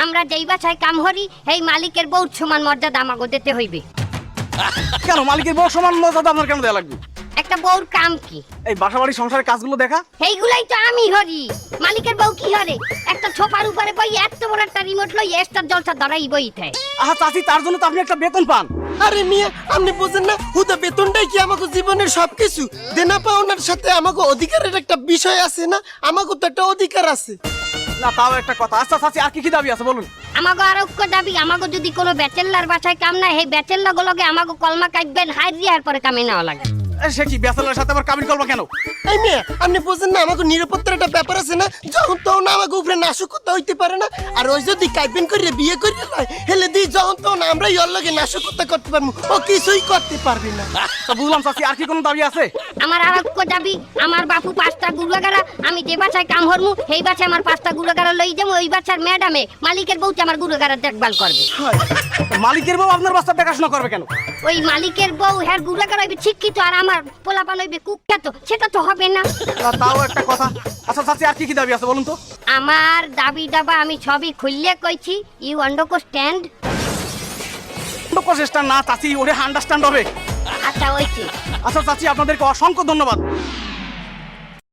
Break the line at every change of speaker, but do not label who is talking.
আমরা যেই বাসায় কাম করি এই মালিকের বউ সমান মর্যাদা আমাকে দিতে হইবে।
কেন মালিকের বউ সমান মর্যাদা আপনার কেন দেওয়া লাগবে?
একটা বউর কাম কি?
এই বাসা বাড়ি সংসারের কাজগুলো দেখা।
এইগুলাই তো আমি হরি। মালিকের বউ কি হরে? একটা ছোপার উপরে বই এত বড় একটা রিমোট লই স্টার জলসা ধরাই বইতে।
আহা চাচি, তার জন্য তো আপনি একটা বেতন পান।
আরে মিয়া, আপনি বুঝেন না, হুদা বেতনটাই কি আমাকে জীবনের সবকিছু? দেনা পাওনার সাথে আমাকে অধিকারের একটা বিষয় আছে না? আমাকে তো একটা অধিকার আছে।
না তাও একটা কথা। আচ্ছা চাচি, আর কি কি দাবি আছে বলুন?
আমাকে আরোগ্য দাবি, আমাকে যদি কোনো ব্যাচেলার বাসায় কাম না, এই ব্যাচেলার গুলোকে আমাকে কলমা কাটবেন হাইরিয়ার পরে কামে নেওয়া লাগে।
সে কি ব্যাচেলারের সাথে আবার কাবিন করবো কেন?
এই মিয়া, আপনি বুঝেন না, আমাকে নিরাপত্তার একটা ব্যাপার আছে না? যখন তখন আমাকে উপরে নাশকতা হইতে পারে না। আর ওই যদি কাইবেন করে বিয়ে করে লয়, হেলে দিই যখন তখন আমরা ওর লগে নাশকতা করতে পারবো, ও কিছুই করতে পারবে না।
তা বুঝলাম চাচি, আর কি কোনো দাবি আছে?
আমার আরোগ্য দাবি, আমার বাপু 5টা গুলাগারা, আমি যে বাসায় কাম হরমু সেই বাসায় আমার 5টা গুলাগারা লই যাবো। ওই বাসার ম্যাডামে মালিকের বউটা আমার গুলাগারা দেখভাল করবে।
মালিকের বউ আপনার বাচ্চা দেখাশোনা করবে কেন?
ওই মালিকের বউ হ্যার গুলাগারা হইবে শিক্ষিত আর আমার পোলাপান হইবে কুখ্যাত, সেটা তো হবে না।
তাও একটা কথা। আচ্ছা চাচি, আর কি কি দাবি আছে বলুন তো?
আমার দাবি দাবা আমি সবই খুললে কইছি, ইউ আন্ডারস্ট্যান্ড?
প্রচেষ্টা না চাচি, ওরে আন্ডারস্ট্যান্ড হবে।
আচ্ছা ওইছি।
আচ্ছা চাচি, আপনাদেরকে অসংখ্য ধন্যবাদ।